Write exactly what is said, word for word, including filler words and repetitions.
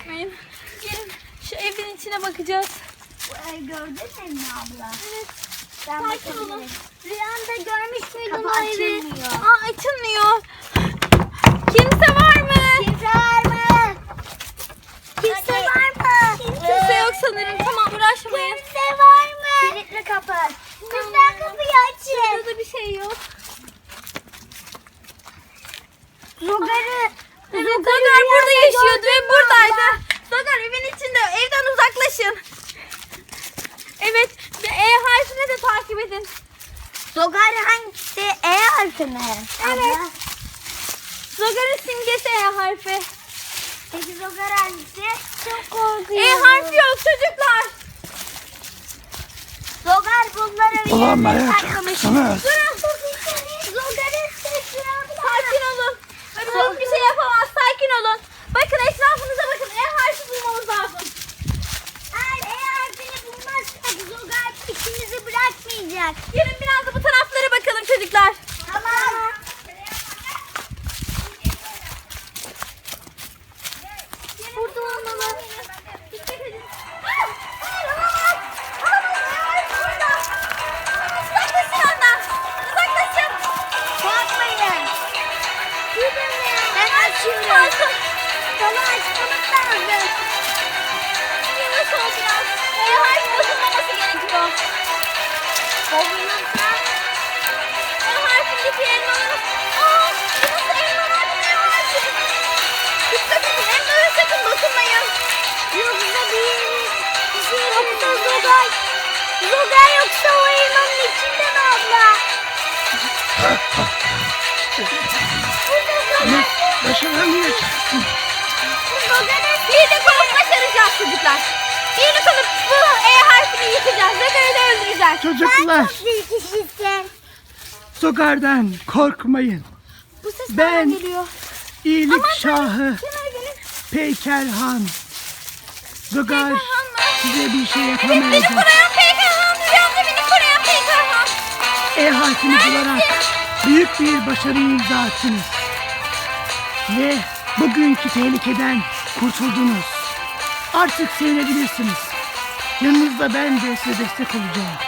uğraşmayın. Gelin şu evin içine bakacağız. Bu ev gördün mü abla? Evet. Ben Sakin olun. bakabilirim. Rüyanda görmüş müydün Kapı o evi? açılmıyor. Aa, açılmıyor. Kimse var mı? Kimse var mı? Kimse var mı? Kimse yok sanırım. Tamam, uğraşmayın. Kimse var mı? Kilitli kapı. Lütfen kapıyı açın. Burada da bir şey yok. Zogar'ı. Evet, Zogar burada yaşıyordu ve buradaydı. Zogar evin içinde. Evden uzaklaşın. Evet. Ve E harfini de takip edin. Zogar hangisi? E harfi mi? Evet. Abla. Zogar'ın simgesi E harfi. Peki Zogar hangisi? Çok korkuyorum. E harfi yok çocuklar. Zogar bunları Ulan bir yere manyak saklamış. çıksana. Durun. Zogar'ın sesi abla. Sakin olun. Öbür hiçbir şey yapamaz. Sakin olun. Bakın etrafınıza bakın. E harfi bulmamız lazım. Eğer E harfini bulmazsak Zogar peşimizi bırakmayacak. Gelin biraz da bu taraflara bakalım çocuklar. Tamam. Burada olmalı. Dikkat edin. Hayır, hayır, olamaz. Olamaz. E harfi burada. Uzaklaşın ondan. Uzaklaşın. Korkmayın. Ben açıyorum. Kalkın. Sana açmamız lazım. Yavaş ol biraz. E harfi bozulmaması gerekiyor. Bozulursa E harfindeki elmaları... Aa, burası elmalar ne harfi? Dikkat edin, elmalara sakın dokunmayın. yoksa bir bir şey yoksa Zogar. Zogar yoksa o elmanın içinde mi abla? Burada Zogar. Başına niye çıktın? Zogar'ın Birlik olup başaracağız çocuklar. Birlik olup bu E harfini yıkacağız. Zogar'ı da öldüreceğiz. Çocuklar, bir kişisin. Zogar'dan korkmayın. Bu ses Ben- nereden geliyor? İyilik şahı Kenara gelin. Peykerhan. Zogar Peykerhan mı? size bir şey Evet, beni yapamayacak. koruyan Peykerhan. Rüyamda beni koruyan Peykerhan. E harfini bularak büyük bir başarı imza attınız. Ve bugünkü tehlikeden kurtuldunuz. Artık sevinebilirsiniz. Yanınızda ben de size destek olacağım.